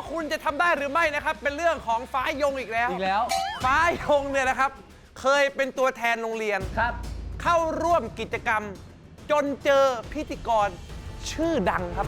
คุณจะทำได้หรือไม่นะครับเป็นเรื่องของฟ้ายงอีกแล้วฟ้ายงเนี่ยนะครับเคยเป็นตัวแทนโรงเรียนครับเข้าร่วมกิจกรรมจนเจอพิธีกรชื่อดังครับ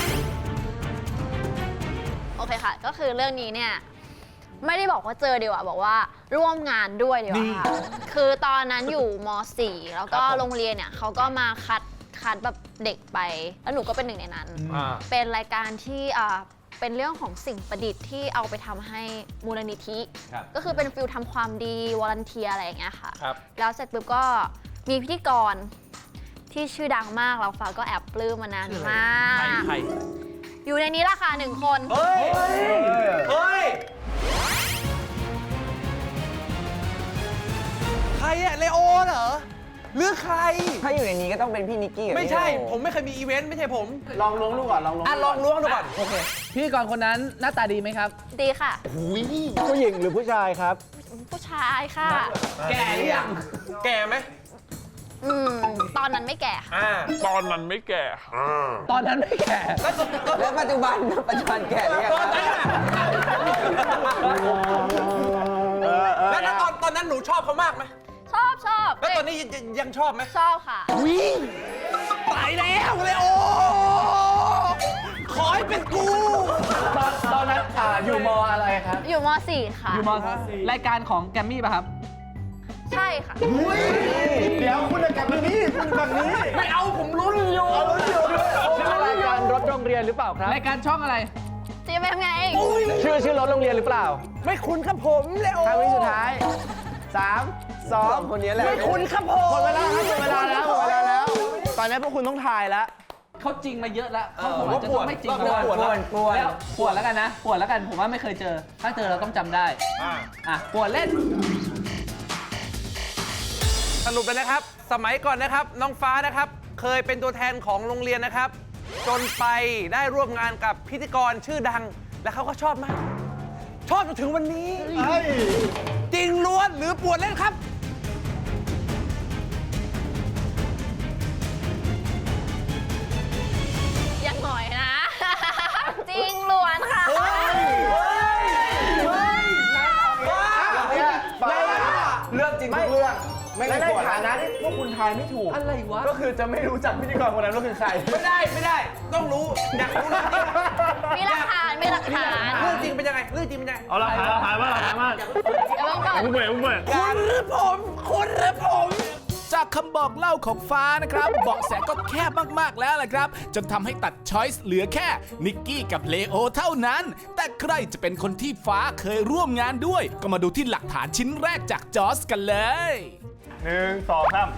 โอเคค่ะก็คือเรื่องนี้เนี่ยไม่ได้บอกว่าเจอดีกว่าบอกว่าร่วมงานด้วยดีกว่าค่ะคือตอนนั้นอยู่ม .4 แล้วก็โรงเรียนเนี่ยเขาก็มาคัดแบบเด็กไปแล้วหนูก็เป็นหนึ่งในนั้นเป็นรายการที่เป็นเรื่องของสิ่งประดิษฐ์ที่เอาไปทำให้มูลนิธิก็คือเป็นฟิลทำความดีวอลันเทียอะไรอย่างเงี้ยค่ะแล้วเสร็จปุ๊บก็มีพิธีกรที่ชื่อดังมากเราฟ้าก็แอบปลื้มมานานมากอยู่ในนี้ละค่ะ1 คนเฮ้ยใครอะเลโอเหรอหรือใครถ้าอยู่ในนี้ก็ต้องเป็นพี่นิกกี้ไม่ใช่ผมไม่เคยมีอีเวนต์ไม่ใช่ผมลองล้วงดูก่อนลองล้วงดูก่อนโอเคพี่กรคนนั้นหน้าตาดีไหมครับดีค่ะผู้หญิงหรือผู้ชายครับผู้ชายค่ะแก่หรือยังแก่ไหมตอนนั้นไม่แก่ค่ะตอนนั้นไม่แก่ตอนนั้นไม่แก่แล้วปัจจุบันแก่หรือยังแล้วตอนนั้นหนูชอบเขามากไหมชอบแล้วตอนนี้ยังชอบไหมชอบค่ะวิ่งตายแล้วเลยโอ้ขอให้เป็นกูตอนนั้นอยู่มอะไรครับอยู่ม .4 ค่ะอยู่มรายการของแกมมี่ป่ะครับใช่ค่ะเดี๋ยวคุณจะกลับแบบนี้คุณแบบนี้ไม่เอาผมลุ้นอยู่รายการรถโรงเรียนหรือเปล่าครับรายการช่องอะไรจะไปทำไงชื่อรถโรงเรียนหรือเปล่าไม่คุ้นครับผมเลยโอ้ครั้งนี้สุดท้าย3 2คนนี้แหละไม่คุ้นครับผมหมดเวลาแล้วตอนนี้พวกคุณต้องทายแล้วเขาจริงมาเยอะแล้วเขาอาจจะต้องไม่จริงแล้วปวดแล้วกันนะปวดแล้วกันผมว่าไม่เคยเจอถ้าเจอเราต้องจำได้ปวดเล่นสรุปเลยนะครับสมัยก่อนนะครับน้องฟ้านะครับเคยเป็นตัวแทนของโรงเรียนนะครับจนไปได้ร่วมงานกับพิธีกรชื่อดังและเขาก็ชอบมากชอบจนถึงวันนี้จริงล้วนหรือปวดเล่นครับยังหน่อยนะจริงล้วนค่ะเรื่องจริงทุกเรื่องไม่ในฐานะที่พวกคุณทายไม่ถูกอะไรวะก็คือจะไม่รู้จักพิธีกรคนนั้นว่าคือใครไม่ได้ต้องรู้อยากรู้มีหลักฐานเรื่องจริงเป็นยังไงเรื่องจริงเป็นยังไงเอาละถ่ายมาคุณหรือผมจากคำบอกเล่าของฟ้านะครับเบาะแสก็แคบมากๆแล้วแหละครับจนทำให้ตัดช้อยส์เหลือแค่นิกกี้กับเลโอเท่านั้นแต่ใครจะเป็นคนที่ฟ้าเคยร่วมงานด้วยก็มาดูที่หลักฐานชิ้นแรกจากจอสกันเลย 1 2 3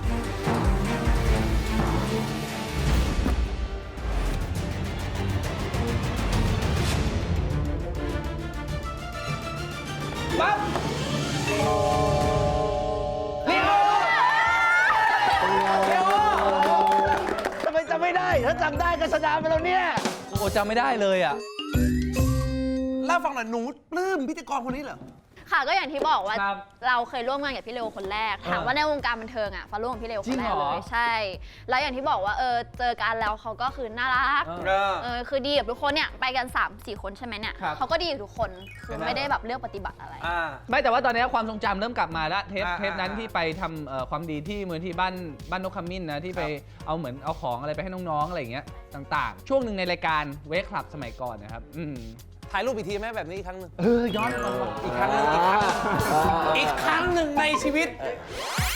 ปั๊บทำไมจำไม่ได้ถ้าจำได้ก็ชนะไปแล้วเนี่ยโอ้จำไม่ได้เลยอ่ะเล่าฟังหน่อยหนูปลื้มพิธีกรคนนี้เหรอค่ะก็อย่างที่บอกว่าเราเคยร่วมงานกับพี่เลโอคนแรกถามว่าในวงการบันเทิงฟ้าร่วมกับพี่เลโอคนแรกเลยใช่แล้วอย่างที่บอกว่าเจอกันแล้วเขาก็คือน่ารักคือดีกับทุกคนเนี่ยไปกัน 3-4 คนใช่ไหมเนี่ยเขาก็ดีกับทุกคนคือไม่ได้แบบเลือกปฏิบัติอะไรไม่แต่ว่าตอนนี้ความทรงจำเริ่มกลับมาแล้วเทปนั้นที่ไปทำความดีที่มูลที่บ้านนกขมิ้นนะที่ไปเอาเหมือนเอาของอะไรไปให้น้องๆอะไรอย่างเงี้ยต่างๆช่วงหนึ่งในรายการเวคคลับสมัยก่อนนะครับถ่ายรูปอีกทีไหมแบบนี้อีกครั้งหนึ่งย้อนอีกครั้งหนึ่งในชีวิต